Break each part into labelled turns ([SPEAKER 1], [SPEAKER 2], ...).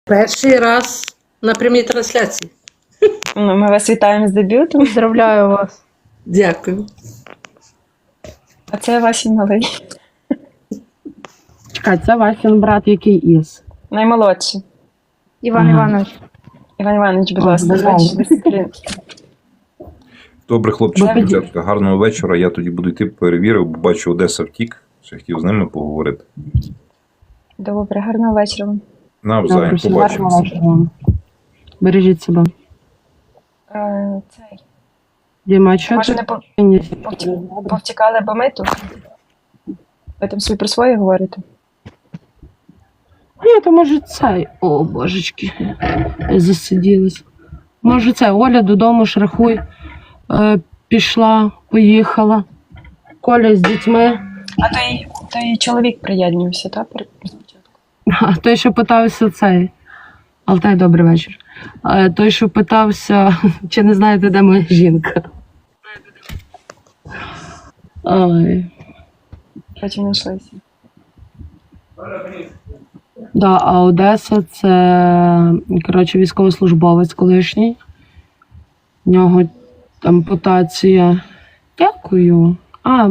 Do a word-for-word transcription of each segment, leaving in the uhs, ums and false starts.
[SPEAKER 1] Перший раз на прямій трансляції.
[SPEAKER 2] Ну, ми вас вітаємо з дебютом.
[SPEAKER 3] Поздравляю вас.
[SPEAKER 1] Дякую.
[SPEAKER 2] А це Васін малий.
[SPEAKER 3] Чекай, це Васін брат, який із?
[SPEAKER 2] Наймолодший.
[SPEAKER 3] Іван ага. Іванович.
[SPEAKER 2] Іван Іванович, будь
[SPEAKER 3] О,
[SPEAKER 2] ласка,
[SPEAKER 3] бажаю.
[SPEAKER 2] дисципліни.
[SPEAKER 4] Добре, хлопчики,
[SPEAKER 2] Добре.
[SPEAKER 4] дівчатка, гарного вечора. Я тоді буду йти, перевірив, бо бачу, Одеса втік. Ще хотів з ними поговорити.
[SPEAKER 2] Добре, гарного вечора вам.
[SPEAKER 4] Навзаєм,
[SPEAKER 3] Добре, всім
[SPEAKER 4] побачимося.
[SPEAKER 3] гарного вечора. Бережіть себе.
[SPEAKER 2] Е, Цей.
[SPEAKER 3] Діма, що
[SPEAKER 2] Може,
[SPEAKER 3] ти?
[SPEAKER 2] не по-
[SPEAKER 3] Ні.
[SPEAKER 2] повті- повтікали, бо ми тут? Ви там собі про своє говорите?
[SPEAKER 3] Ні, то може цей. О, божечки. Я засиділась. Може це, Оля додому шрахуй. Е, пішла, поїхала. Коля з дітьми.
[SPEAKER 2] А той, той чоловік приєднувся, так? перед спочатку?
[SPEAKER 3] А той, що питався цей. Алтай, добрий вечір. Е, той, що питався, чи не знаєте, де моя жінка. Ой.
[SPEAKER 2] Потім знайшлися.
[SPEAKER 3] Да, а Одеса це, коротше, військовослужбовець колишній. В нього ампутація. Дякую. А,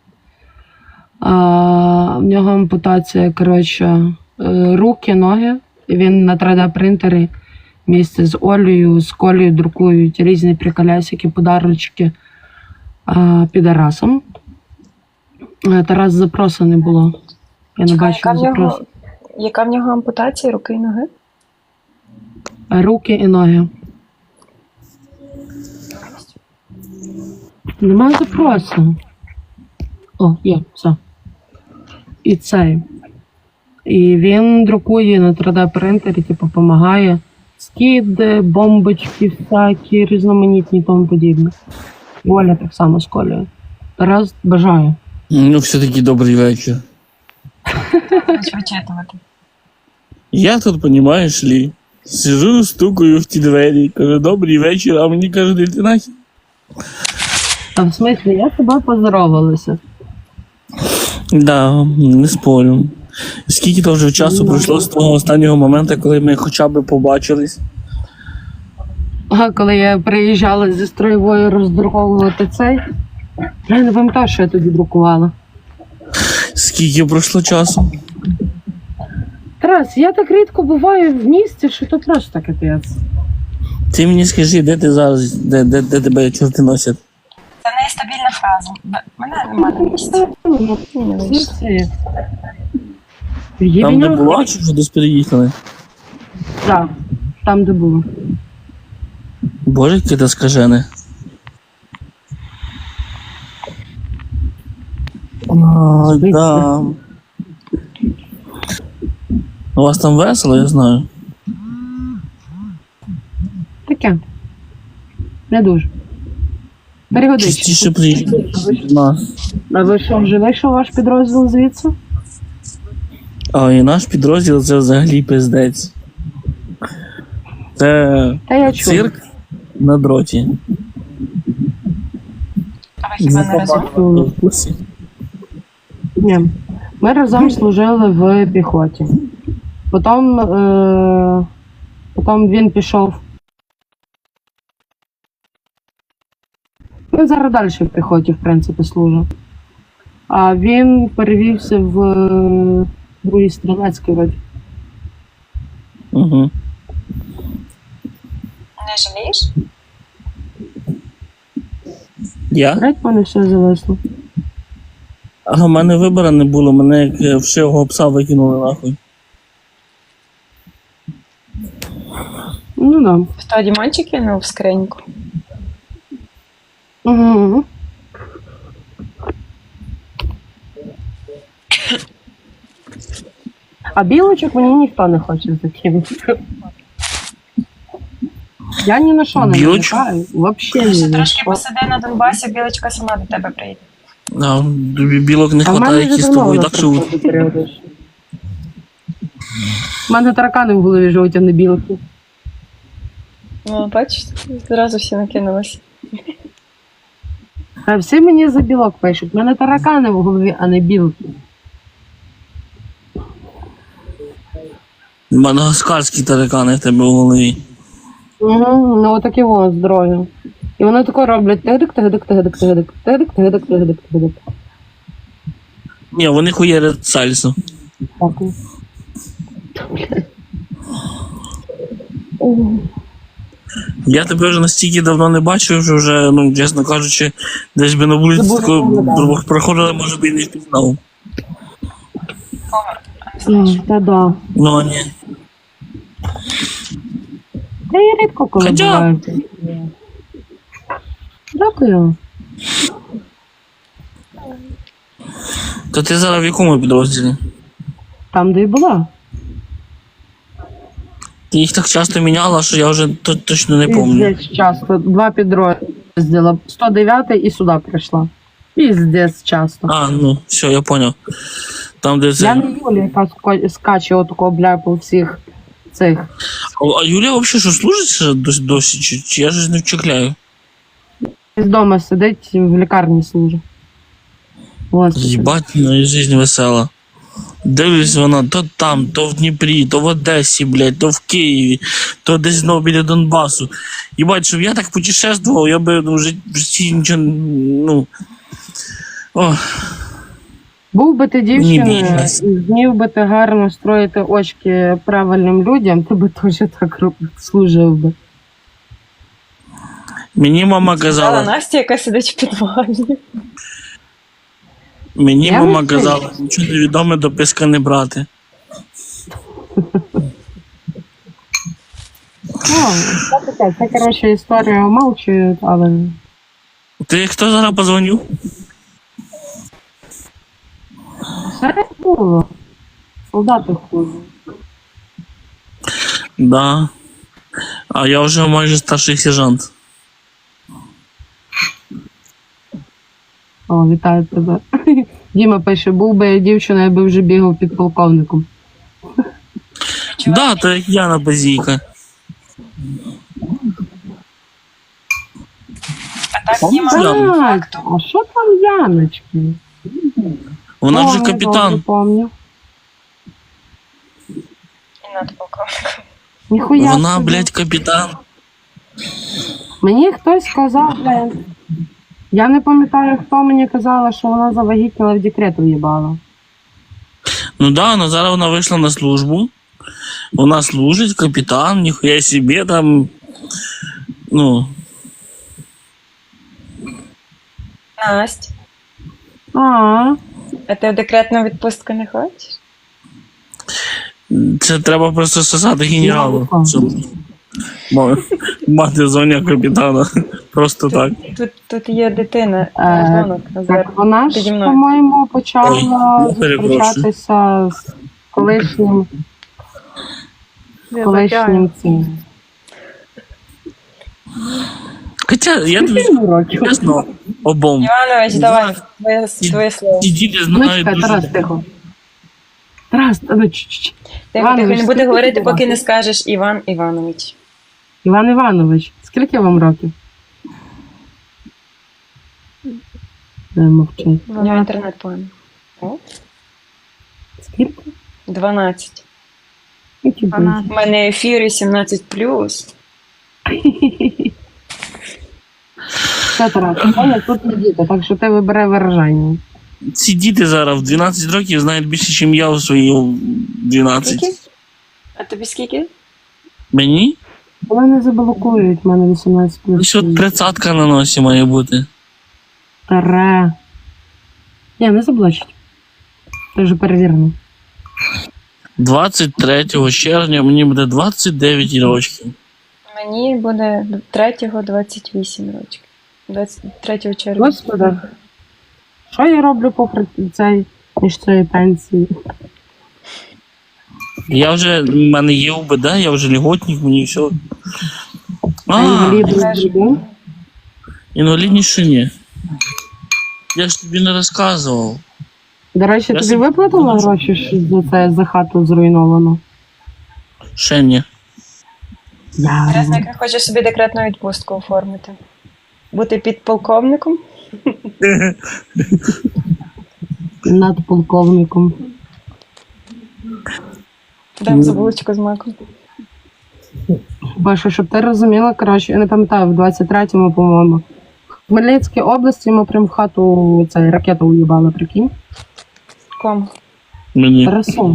[SPEAKER 3] а в нього ампутація, коротше, е, руки, ноги. І він на три де принтері місце з Олею, з Колею друкують різні приколясики, подарочки а, підарасам. Е, Тарас запросу не було. Я не
[SPEAKER 2] Чекай, яка
[SPEAKER 3] бачила
[SPEAKER 2] в нього,
[SPEAKER 3] запросу.
[SPEAKER 2] яка в нього ампутація руки і ноги?
[SPEAKER 3] Руки і ноги. Немає запросу. О, є, все. І цей. І він друкує на три де принтері, типу, допомагає. Скиди, бомбочки всякі, різноманітні і тому подібне. І Оля так само з Колею. Тарас бажаю.
[SPEAKER 5] Ну, все-таки добрий вечір.
[SPEAKER 2] Будуть вичитувати.
[SPEAKER 5] Я тут, понимаешь ли, сижу, стукаю в ті двері, кажу, добрий вечір, а мені кажуть, іди ти нахер.
[SPEAKER 3] А в смислі, я з тобою поздоровалася.
[SPEAKER 5] Да, не спорю. Скільки то вже часу
[SPEAKER 3] Ну,
[SPEAKER 5] пройшло з того останнього моменту, коли ми хоча б побачились?
[SPEAKER 3] А коли я приїжджала зі строєвою роздруковувати цей, я не пам'ятаю, що я тоді друкувала.
[SPEAKER 5] Скільки пройшло часу?
[SPEAKER 3] Тарас, я так рідко буваю в місті, що то просто капець.
[SPEAKER 5] Ти мені скажи, де ти зараз, де, де, де тебе чорти носять?
[SPEAKER 2] Це нестабільна фраза. Б- Мене нема на місці. Ні, не вийшло.
[SPEAKER 5] Там, де була, чи вже десь переїхали?
[SPEAKER 3] Так, там, де було.
[SPEAKER 5] Боже, яке ти скажене. А, да. У вас там весело, я знаю.
[SPEAKER 3] Таке. Не дуже. Перегодички.
[SPEAKER 5] Частіше приїжджайте до нас.
[SPEAKER 3] А ви що, вже вийшов ваш підрозділ звідси?
[SPEAKER 5] А і наш підрозділ це взагалі пиздець. Це
[SPEAKER 3] Та я чула.
[SPEAKER 5] цирк на дроті.
[SPEAKER 2] А ви хіба не разом?
[SPEAKER 5] В курсі?
[SPEAKER 3] Ні. Ми разом служили в піхоті. Потім, е... Потім він пішов. Він зараз далі в піхоті, в принципі, служить. А він перевівся в е, другий стрілецький вроді.
[SPEAKER 5] Угу.
[SPEAKER 2] Не жалієш?
[SPEAKER 5] Я?
[SPEAKER 3] Греть в мене все зависло.
[SPEAKER 5] А в мене вибору не було, мене як е, вшивого пса викинули нахуй.
[SPEAKER 3] Ну да.
[SPEAKER 2] Хто Дімончик кинув в скриньку?
[SPEAKER 3] Угу. А білочок мені ніхто не хоче закинути. Я ні на що не
[SPEAKER 5] Білочку?
[SPEAKER 3] натякаю. Вообще ні
[SPEAKER 2] Ще
[SPEAKER 3] на
[SPEAKER 2] трошки
[SPEAKER 3] що.
[SPEAKER 2] посиди на Донбасі, білочка сама до тебе прийде.
[SPEAKER 5] А, тобі білок не
[SPEAKER 3] А в мене
[SPEAKER 5] вистачає,
[SPEAKER 3] вже
[SPEAKER 5] які з
[SPEAKER 3] давно
[SPEAKER 5] тобою
[SPEAKER 3] вона
[SPEAKER 5] так живуть.
[SPEAKER 3] приходить періодично. У мене таракани в голові живуть, а не білки.
[SPEAKER 2] Ну, бачиш, зразу всі накинулися.
[SPEAKER 3] А всі мені за білок пишуть. У мене таракани в голові, а не білки.
[SPEAKER 5] Мадагаскарські таракани в тебе в голові.
[SPEAKER 3] Угу, ну отакі во здорові. І вони тако роблять тигдик, тигдик, тигдик, тигдик, тигдик, тигдик, тигдик, тигдик.
[SPEAKER 5] Ні, вони хуєрять сальсу.
[SPEAKER 3] Дякую.
[SPEAKER 5] Я тебе вже настільки давно не бачив, що вже, ну, чесно кажучи, десь би на вулиці
[SPEAKER 3] Забув,
[SPEAKER 5] такою
[SPEAKER 3] як виглядає.
[SPEAKER 5] проходили, може би і не впізнав.
[SPEAKER 3] М, Та да.
[SPEAKER 5] Ну, а ні.
[SPEAKER 3] Та я рідко коли
[SPEAKER 5] Хоча-
[SPEAKER 3] буваю. Дякую.
[SPEAKER 5] То ти зараз в якому підрозділі?
[SPEAKER 3] Там, де і була.
[SPEAKER 5] Ти їх так часто міняла, що я вже т- точно не пам'ятаю.
[SPEAKER 3] Піздець часто. Два підрозділа. сто дев'ятий і сюди прийшла. Піздець часто.
[SPEAKER 5] А, ну, все, я поняв. Там, де
[SPEAKER 3] Я
[SPEAKER 5] це.
[SPEAKER 3] не Юлія, яка ска- скаче отако, бля, по всіх цих.
[SPEAKER 5] А Юлія взагалі що служить ще досі, досі чи, чи я ж не вчекляю?
[SPEAKER 3] З дому сидить, в лікарні служить. Господи.
[SPEAKER 5] Їбать, ну і життя весела. Дивлюсь, вона то там, то в Дніпрі, то в Одесі, блядь, то в Києві, то десь знову біля Донбасу. Їбать, щоб я так путешествував, я би ну, в жит- в житті нічого, ну... О,
[SPEAKER 3] Був би ти дівчиною
[SPEAKER 5] бізнес.
[SPEAKER 3] і змів би ти гарно строїти очки правильним людям, ти би теж так роб- служив би.
[SPEAKER 5] мені мама
[SPEAKER 2] Сказала
[SPEAKER 5] казала,
[SPEAKER 2] Настя, яка сидить в підвалі.
[SPEAKER 5] мені
[SPEAKER 3] Я
[SPEAKER 5] мама
[SPEAKER 3] не
[SPEAKER 5] казала, нічого невідоме до писка не брати.
[SPEAKER 3] Ну, це таке, це, коротше, історія умалчують, але...
[SPEAKER 5] Ти хто зараз позвонив?
[SPEAKER 3] Все було. Солдати хуже.
[SPEAKER 5] Да. А я вже майже старший сержант.
[SPEAKER 3] О, вітаю тебе. Діма пише, був би я дівчина, я би вже бігав під полковником.
[SPEAKER 5] Да, то як Яна Базійка.
[SPEAKER 2] А так
[SPEAKER 5] Помниш,
[SPEAKER 2] Діма,
[SPEAKER 5] Яну?
[SPEAKER 3] Так, а що там Яночки?
[SPEAKER 5] Вона вже
[SPEAKER 3] Помню,
[SPEAKER 5] капітан.
[SPEAKER 3] добре помню.
[SPEAKER 2] і надполковник.
[SPEAKER 3] Ніхуя
[SPEAKER 5] Вона,
[SPEAKER 3] собі.
[SPEAKER 5] блядь, капітан.
[SPEAKER 3] Мені хтось сказав, блин. Я не пам'ятаю, хто мені казала, що вона завагітніла в декрет уїбала.
[SPEAKER 5] Ну да, но зараз вона вийшла на службу. Вона служить, капітан, ніхуя собі там. Ну,
[SPEAKER 2] Настя,
[SPEAKER 3] А,
[SPEAKER 2] а ти в декретну відпустку не хочеш?
[SPEAKER 5] це треба просто сосати генералу.
[SPEAKER 3] Ну,
[SPEAKER 5] Щоб ма- мати звання капітана. Просто так.
[SPEAKER 2] Тут, тут є дитина,
[SPEAKER 3] Е,
[SPEAKER 2] дзвонок Назар.
[SPEAKER 3] так вона ж,
[SPEAKER 2] Піді мною.
[SPEAKER 3] по-моєму,
[SPEAKER 5] Ой,
[SPEAKER 3] почала
[SPEAKER 5] я перепрошую.
[SPEAKER 3] зустрічатися з колишнім,
[SPEAKER 2] Я
[SPEAKER 3] колишнім цим.
[SPEAKER 5] Хоча я тобі
[SPEAKER 3] Скільки йому років?
[SPEAKER 5] чесно, обом.
[SPEAKER 2] Іванович, давай, твоє, твоє слово.
[SPEAKER 5] Ці діти
[SPEAKER 3] Ну,
[SPEAKER 5] знають
[SPEAKER 3] чекай, Тарас,
[SPEAKER 5] дуже.
[SPEAKER 3] тихо. Тарас, та ну чуть-чуть.
[SPEAKER 2] Тихо,
[SPEAKER 3] Іванович,
[SPEAKER 2] тихо, не буде
[SPEAKER 3] скільки
[SPEAKER 2] говорити,
[SPEAKER 3] тобі
[SPEAKER 2] поки
[SPEAKER 3] років?
[SPEAKER 2] не скажеш Іван Іванович.
[SPEAKER 3] Іван Іванович, скільки вам років? Не мовчить.
[SPEAKER 2] У нього інтернет поганий. О,
[SPEAKER 3] Скільки?
[SPEAKER 2] дванадцять.
[SPEAKER 3] Які були?
[SPEAKER 2] У мене ефір сімнадцять плюс.
[SPEAKER 3] Все, Тарас, Оля, тут не діти, так що ти вибирай виражання.
[SPEAKER 5] Ці діти зараз в дванадцять років знають більше, ніж я у свої дванадцять.
[SPEAKER 2] Скільки? А тобі скільки?
[SPEAKER 5] Мені?
[SPEAKER 3] Вони не заблокують, в мене вісімнадцять плюс.
[SPEAKER 5] Ще тридцятка на носі має бути.
[SPEAKER 3] Таре. Ні, не заблочить. Це вже перевірено.
[SPEAKER 5] двадцять третього червня мені буде двадцять дев'ять років.
[SPEAKER 2] Мені буде третього двадцять вісім років. двадцять третього червня.
[SPEAKER 3] Господи. Що я роблю попри цей, між цієї пенсії?
[SPEAKER 5] Я вже, в мене є УБД, я вже льготник, мені все.
[SPEAKER 3] А
[SPEAKER 5] А,
[SPEAKER 3] інваліди з другим?
[SPEAKER 5] інвалідність ще ні. Я ж тобі не розказував.
[SPEAKER 3] До речі,
[SPEAKER 5] Я
[SPEAKER 3] тобі
[SPEAKER 5] собі-
[SPEAKER 3] виплатили гроші що за це за хату зруйновану?
[SPEAKER 5] Ще ні.
[SPEAKER 3] Я.
[SPEAKER 2] Раз я хочу собі декретну відпустку оформити. Бути підполковником.
[SPEAKER 3] Над полковником.
[SPEAKER 2] Дам за булочку з маком.
[SPEAKER 3] Боже, щоб ти розуміла, коротше, я не пам'ятаю, в двадцять третьому, по-моєму. В Хмельницькій області ми прям в хату цей, ракету уїбали, прикинь.
[SPEAKER 2] Кому?
[SPEAKER 5] Мені.
[SPEAKER 3] Тарасу.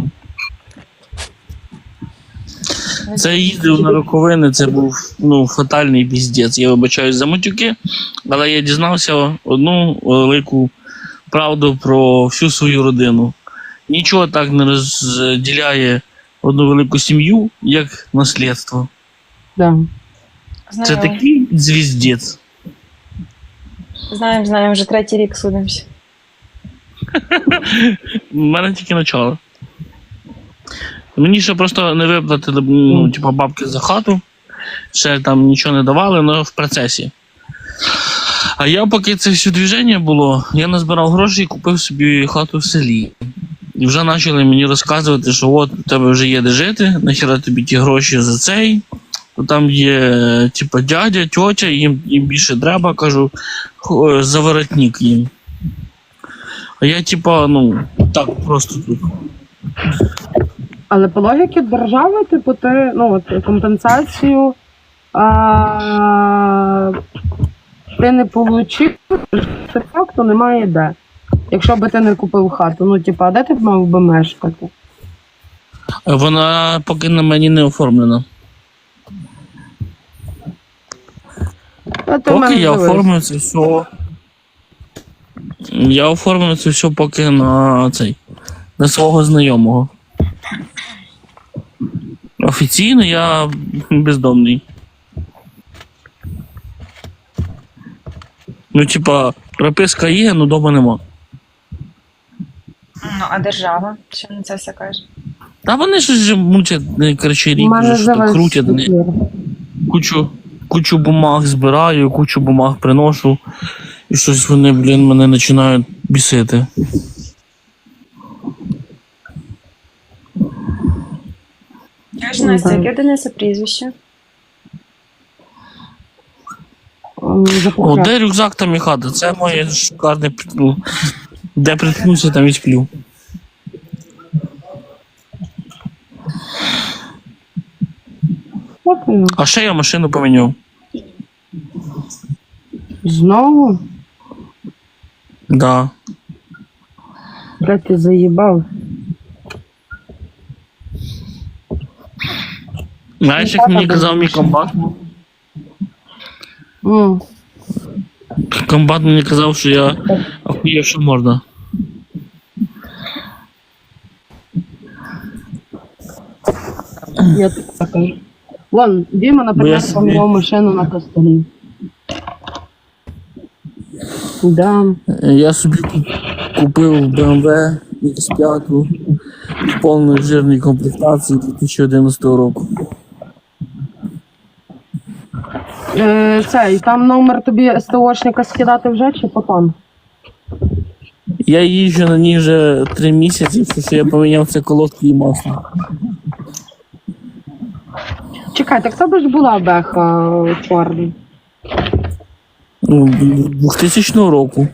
[SPEAKER 5] Це я їздив на роковини, це був ну, фатальний піздець. Я вибачаюсь за матюки, але я дізнався одну велику правду про всю свою родину. Нічого так не розділяє одну велику сім'ю, як наслідство.
[SPEAKER 3] Да.
[SPEAKER 5] Це
[SPEAKER 2] Знаємо,
[SPEAKER 5] такий звіздець.
[SPEAKER 2] знаємо, знаємо, вже третій рік судимося.
[SPEAKER 5] У мене тільки начало. Мені ще просто не виплатили ну, типу, бабки за хату, ще там нічого не давали, але в процесі. А я, поки це все движення було, я назбирав гроші і купив собі хату в селі. І вже почали мені розказувати, що от у тебе вже є де жити, нахіра тобі ті гроші за цей. То там є типу, дядя, тьотя, їм, їм більше треба, кажу, «Хо- за воротник їм. А я, типа, ну, так просто тут.
[SPEAKER 3] Але по логіки держави, типу, ти, ну, от, компенсацію а, ти не получив, де факту немає де. Якщо би ти не купив хату, ну, типу, а де ти б мав би мешкати?
[SPEAKER 5] Вона поки на мені не оформлена.
[SPEAKER 3] Та ти в
[SPEAKER 5] Поки
[SPEAKER 3] мене
[SPEAKER 5] я
[SPEAKER 3] дивись.
[SPEAKER 5] оформив це все. Я оформив це все поки на цей. На свого знайомого. Офіційно я бездомний. Ну, типа, прописка є, але вдома нема.
[SPEAKER 2] Ну, а держава? Що на це все каже?
[SPEAKER 5] Та вони ж вже мучать, не, коротше,
[SPEAKER 3] У
[SPEAKER 5] рік
[SPEAKER 3] мене
[SPEAKER 5] вже що
[SPEAKER 3] дивись,
[SPEAKER 5] крутять. не-
[SPEAKER 3] ефір.
[SPEAKER 5] Кучу, кучу бумаг збираю, кучу бумаг приношу. І щось вони, блін, мене починають бісити.
[SPEAKER 2] Я ж Настя, яке Дениса прізвище?
[SPEAKER 3] М,
[SPEAKER 5] О,
[SPEAKER 3] запухляв.
[SPEAKER 5] де рюкзак, там і хата. Це моє шикарне, ну, де приткнуся, там і сплю.
[SPEAKER 3] От воно.
[SPEAKER 5] А ще я машину поміняв.
[SPEAKER 3] Знову?
[SPEAKER 5] Да.
[SPEAKER 3] Де ти заїбав?
[SPEAKER 5] Знаєш, як мені казав мій комбат?
[SPEAKER 3] М.
[SPEAKER 5] Комбат мені казав, що я охуєвша морда.
[SPEAKER 3] Я так кажу. Вон, Діма,
[SPEAKER 5] Бо я
[SPEAKER 3] наприклад,
[SPEAKER 5] собі-
[SPEAKER 3] поміняв машину на костелі. Да.
[SPEAKER 5] Я собі куп- купив бе ем ве ікс п'ять в повної жирній комплектації дві тисячі одинадцятого року.
[SPEAKER 3] Е, цей, там номер тобі СТОшника скидати вже чи потім?
[SPEAKER 5] Я їжджу на ній вже три місяці, тому що я поміняв це колодки і масло.
[SPEAKER 3] Чекай, так це б ж була беха е, чорна.
[SPEAKER 5] Ну, двохтисячного року.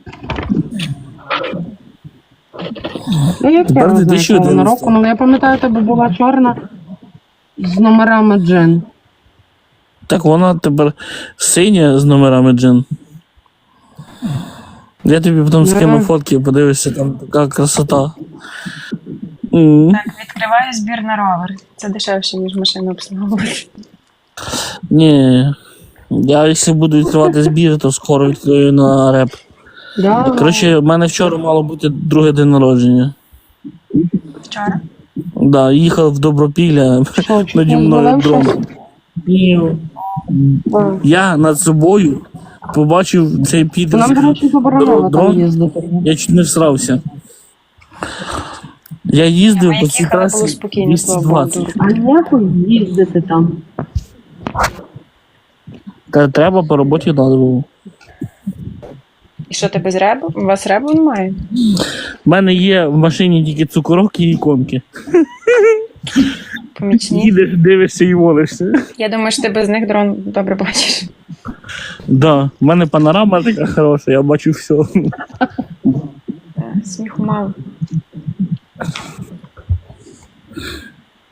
[SPEAKER 3] Ну, як
[SPEAKER 5] Тепер
[SPEAKER 3] я не знаю,
[SPEAKER 5] дві тисячі
[SPEAKER 3] якого вона
[SPEAKER 5] одинадцятого.
[SPEAKER 3] року, але я пам'ятаю, тебе була чорна з номерами джин.
[SPEAKER 5] Так вона тепер синя з номерами джин. Я тобі потім скину
[SPEAKER 3] Да.
[SPEAKER 5] фотки, подивишся, там така красота. М.
[SPEAKER 2] Так, відкриваю збір на ровер. Це дешевше, ніж машину обслуговувати.
[SPEAKER 5] Ні. Я якщо буду відкривати збір, то скоро відкрию на реп.
[SPEAKER 3] Да?
[SPEAKER 5] Коротше, в мене вчора мало бути друге день народження.
[SPEAKER 2] Вчора?
[SPEAKER 5] Да, їхав в Добропілля,
[SPEAKER 3] Що, чуть
[SPEAKER 5] наді
[SPEAKER 3] не
[SPEAKER 5] мною
[SPEAKER 3] звалив
[SPEAKER 5] дрон.
[SPEAKER 3] А.
[SPEAKER 5] Я над собою побачив цей
[SPEAKER 3] То
[SPEAKER 5] підер.
[SPEAKER 3] нам, до речі, заборонено
[SPEAKER 5] Дрон?
[SPEAKER 3] там їздити.
[SPEAKER 5] Я чуть не всрався. Я їздив
[SPEAKER 2] Ми
[SPEAKER 5] по цій
[SPEAKER 2] їхали, було
[SPEAKER 5] трасі
[SPEAKER 2] спокійно, слава Богу.
[SPEAKER 5] двісті двадцять.
[SPEAKER 3] А нехуй їздити там.
[SPEAKER 5] Та треба по роботі треба було.
[SPEAKER 2] І що, ти без ребу? У вас ребу немає?
[SPEAKER 5] У мене є в машині тільки цукорок і іконки.
[SPEAKER 2] Помічні?
[SPEAKER 5] Їдеш, дивишся і волишся.
[SPEAKER 2] Я думаю, що ти без них дрон добре бачиш.
[SPEAKER 5] Да, в мене панорама така хороша, я бачу все.
[SPEAKER 2] Е, Сміху мало.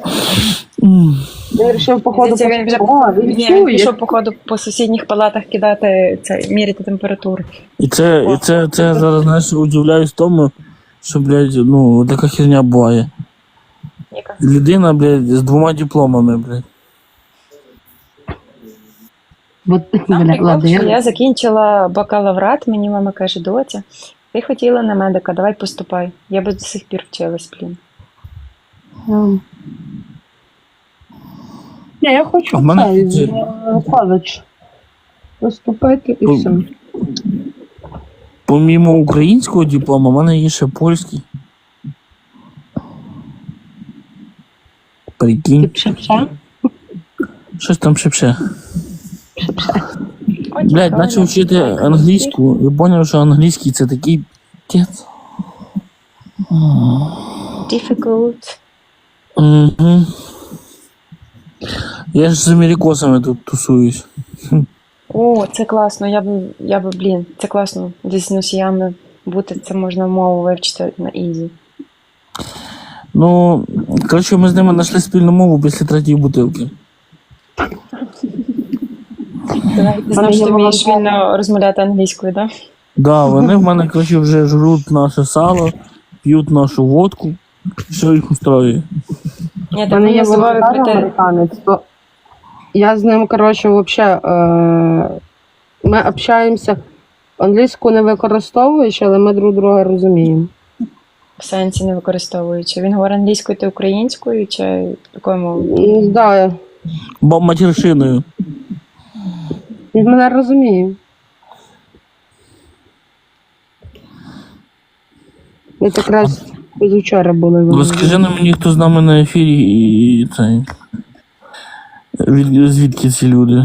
[SPEAKER 5] М.
[SPEAKER 3] Він вирішив, походу,
[SPEAKER 2] Здається, він вже
[SPEAKER 3] О, він
[SPEAKER 2] Ні, він
[SPEAKER 3] чує.
[SPEAKER 2] пішов, походу, по сусідніх палатах кидати це, міряти температуру.
[SPEAKER 5] І це, і це, це я зараз, знаєш, удивляюсь тому, що, блядь, ну, така херня буває.
[SPEAKER 2] Яка?
[SPEAKER 5] Людина, блядь, з двома дипломами, блядь.
[SPEAKER 3] От,
[SPEAKER 2] Там
[SPEAKER 3] бля,
[SPEAKER 2] прикол,
[SPEAKER 3] ладно,
[SPEAKER 2] що
[SPEAKER 3] я...
[SPEAKER 2] я закінчила бакалаврат, мені мама каже, доця, ти хотіла на медика, давай поступай. Я би до сих пір вчилась, блін.
[SPEAKER 3] Ем. Ні, я хочу
[SPEAKER 5] В мене
[SPEAKER 3] цей,
[SPEAKER 5] це-
[SPEAKER 3] в коледж поступити і
[SPEAKER 5] Ну,
[SPEAKER 3] все.
[SPEAKER 5] Помімо українського диплома, в мене є ще польський.
[SPEAKER 3] Ти
[SPEAKER 5] Прикинь,
[SPEAKER 3] пше-пше?
[SPEAKER 5] щось там шепше.
[SPEAKER 2] Ой,
[SPEAKER 5] Блядь,
[SPEAKER 2] цікаво.
[SPEAKER 5] почав вчити англійську і зрозумів, що англійський це такий п'єц.
[SPEAKER 2] Difficult.
[SPEAKER 5] Угу. Я ж з америкосами тут тусуюсь.
[SPEAKER 2] О, це класно, я би, я би, блін, це класно. Десь з носіями бути, це можна мову вивчити на ізі.
[SPEAKER 5] Ну, коротше, ми з ними знайшли спільну мову після третьої бутилки.
[SPEAKER 2] Ти знаєш, що ти вмієш вільно розмовляти англійською, так? Да?
[SPEAKER 5] Да, вони в мене, коротше, вже жруть наше сало, п'ють нашу водку, все їх устроює.
[SPEAKER 2] Ні,
[SPEAKER 3] У
[SPEAKER 2] так
[SPEAKER 3] мене є
[SPEAKER 2] я забуваю
[SPEAKER 3] волонтер
[SPEAKER 2] прийти.
[SPEAKER 3] американець, то я з ним, коротше, вообще, е... ми общаємося, англійську не використовуючи, але ми друг друга розуміємо.
[SPEAKER 2] В сенсі не використовуючи. Він говорить англійською та українською, чи якою мовою?
[SPEAKER 3] М, Да,
[SPEAKER 5] Бо матершиною.
[SPEAKER 3] він мене розуміє. Ми якраз позавчора були. в
[SPEAKER 5] Розкажи на мені, хто з нами на ефірі і цей. Від, звідки ці люди?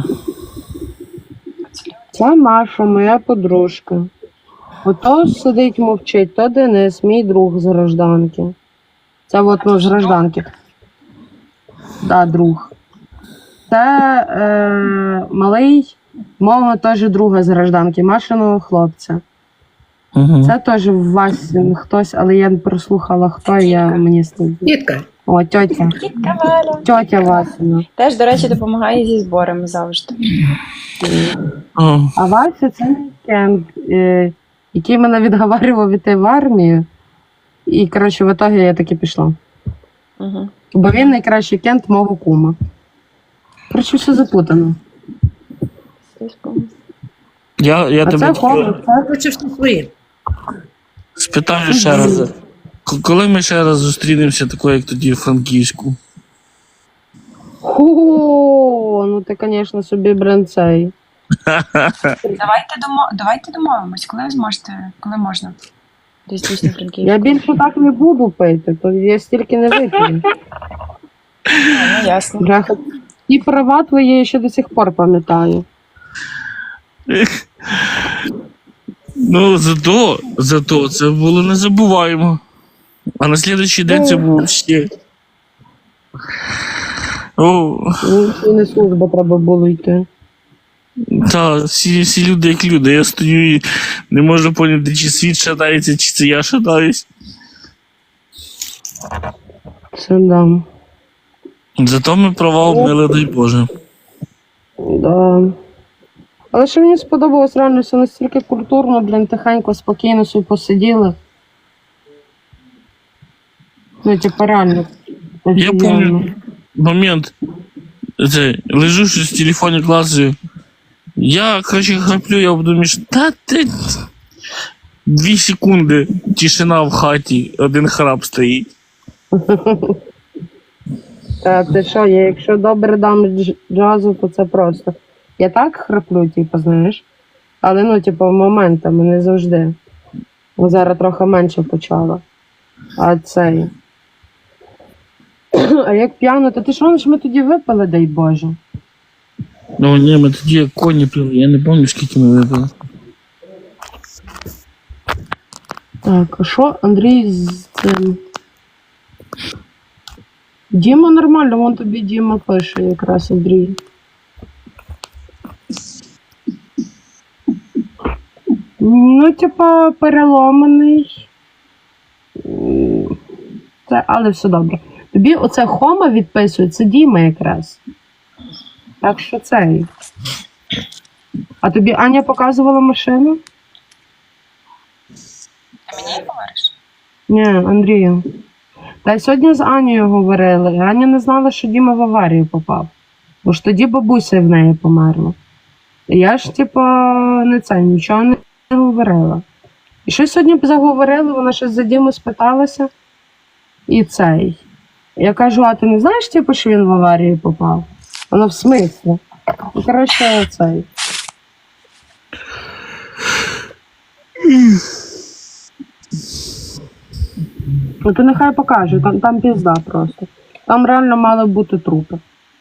[SPEAKER 3] Це Маша, моя подружка. Ото сидить мовчить, то Денис, мій друг з гражданки. Це от ну, з гражданки. Да, друг. Це е, малий, мого теж друга з гражданки, Машиного хлопця.
[SPEAKER 5] Угу.
[SPEAKER 3] Це теж Вась хтось, але я не прослухала, хто і я мені стидно.
[SPEAKER 6] Тітка.
[SPEAKER 3] О, тьотя.
[SPEAKER 2] Тітка Валя.
[SPEAKER 3] Тьотя Васина.
[SPEAKER 2] Теж, до речі, допомагає зі зборами завжди.
[SPEAKER 5] О,
[SPEAKER 3] А Вася це мій кент, е, який мене відговарював іти в армію. І, коротше, в ітогі я таки пішла.
[SPEAKER 2] Угу.
[SPEAKER 3] Бо він найкращий кент мого кума. Коротше, все запутано.
[SPEAKER 5] я, я
[SPEAKER 3] А
[SPEAKER 5] тебе
[SPEAKER 3] це
[SPEAKER 5] тільки
[SPEAKER 3] хлопець, це
[SPEAKER 6] Хочеш все своє.
[SPEAKER 5] спитаю ще раз. К- Коли ми ще раз зустрінемося, такою, як тоді в Франківську?
[SPEAKER 3] Ху, ну ти, звісно, собі бренцей.
[SPEAKER 2] Давайте, домо... Давайте домовимось, коли ви зможете, коли можна. Десь дійсно Франківську.
[SPEAKER 3] Я більше так не буду пити, то я стільки не вип'ю.
[SPEAKER 2] Ну, ясно.
[SPEAKER 3] Бляха. І права твої я ще до сих пор пам'ятаю.
[SPEAKER 5] Ну, зато, зато це було незабуваємо. А на слідуючий день це було ще. О,
[SPEAKER 3] Ну, і не служба треба було йти.
[SPEAKER 5] та, всі, всі люди як люди. Я стою і не можу поняти, чи світ шатається, чи це я шатаюсь.
[SPEAKER 3] Це да.
[SPEAKER 5] Зато ми права обмили, дай Боже.
[SPEAKER 3] Да. Але що мені сподобалось, реально все настільки культурно, блін, тихенько, спокійно собі посиділи. Ну, типу, реально.
[SPEAKER 5] Я
[SPEAKER 3] офігенно.
[SPEAKER 5] пам'ятаю момент. Це, лежу щось в телефоні клацаю. Я, короче, храплю, я думаю, що та ти. Дві секунди, тишина в хаті, один храп стоїть.
[SPEAKER 3] Та ти що, я якщо добре дам дж- джазу, то це просто. Я так храплю, типу, знаєш. Але ну, типу, моментами не завжди. Бо зараз трохи менше почала. А цей. А як п'яно, то ти що ж ми тоді випили, дай Боже?
[SPEAKER 5] Ну ні, ми тоді як коні пили, я не пам'ятаю, скільки ми випили.
[SPEAKER 3] Так, а що Андрій з цим? Діма нормально, вон тобі Діма пише якраз Андрій. Ну, типа, переломаний. М, Це, але все добре. Тобі оце Хома відписує, це Діма якраз. Так що цей. А тобі Аня показувала машину?
[SPEAKER 2] Ти мені говориш?
[SPEAKER 3] Ні, Андрію. Та й сьогодні з Анією говорили. і Аня не знала, що Діма в аварію попав. Бо ж тоді бабуся в неї померла. І я ж, типу, не це, нічого не говорила. І щось сьогодні заговорили, вона щось за Діму спиталася. І цей. Я кажу, а ти не знаєш, типу, що він в аварію попав? Вона в смислі. І, коротше, цей. Ну, то нехай покаже, там, там пізда просто. Там реально мали бути трупи.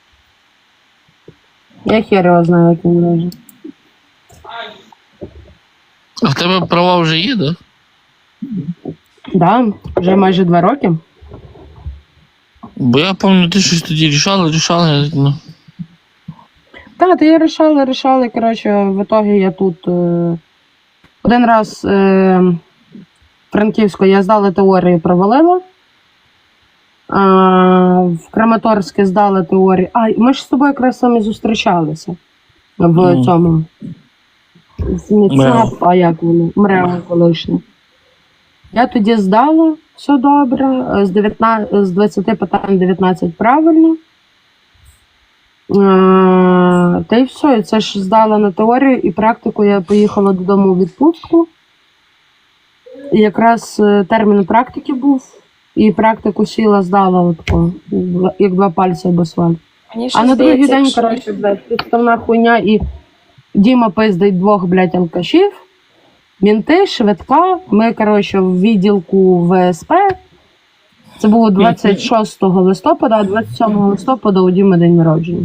[SPEAKER 3] Я хер його знаю, як він лежить.
[SPEAKER 5] А в тебе права вже є, да?
[SPEAKER 3] Да, вже майже два роки.
[SPEAKER 5] Бо я пам'ятаю, ти щось тоді рішала, рішала, ну.
[SPEAKER 3] Так, то я рішала, рішала, коротше, в итоге я тут е, один раз е, в Франківську я здала теорію, провалила. А, в Краматорське здала теорію. А, ми ж з тобою якраз самі зустрічалися в
[SPEAKER 5] Mm.
[SPEAKER 3] цьому. В МІЦАП, а як воно? МРЕО колишнє. Я тоді здала, все добре, з, дев'ятнадцяти, з двадцяти питань дев'ятнадцять правильно. Е, Та й все, і це ж здала на теорію і практику я поїхала додому у відпустку. І якраз е, термін практики був, і практику сіла, здала отко, як два пальці об асфальт.
[SPEAKER 2] Мені
[SPEAKER 3] А
[SPEAKER 2] щось
[SPEAKER 3] на другий
[SPEAKER 2] здається,
[SPEAKER 3] день,
[SPEAKER 2] якщо-
[SPEAKER 3] коротше, блядь, підставна хуйня і Діма пиздить двох, блядь, алкашів, мінти, швидка, ми, коротше, в відділку В С П. Це було двадцять шостого листопада, а двадцять сьомого листопада у Діми день народження.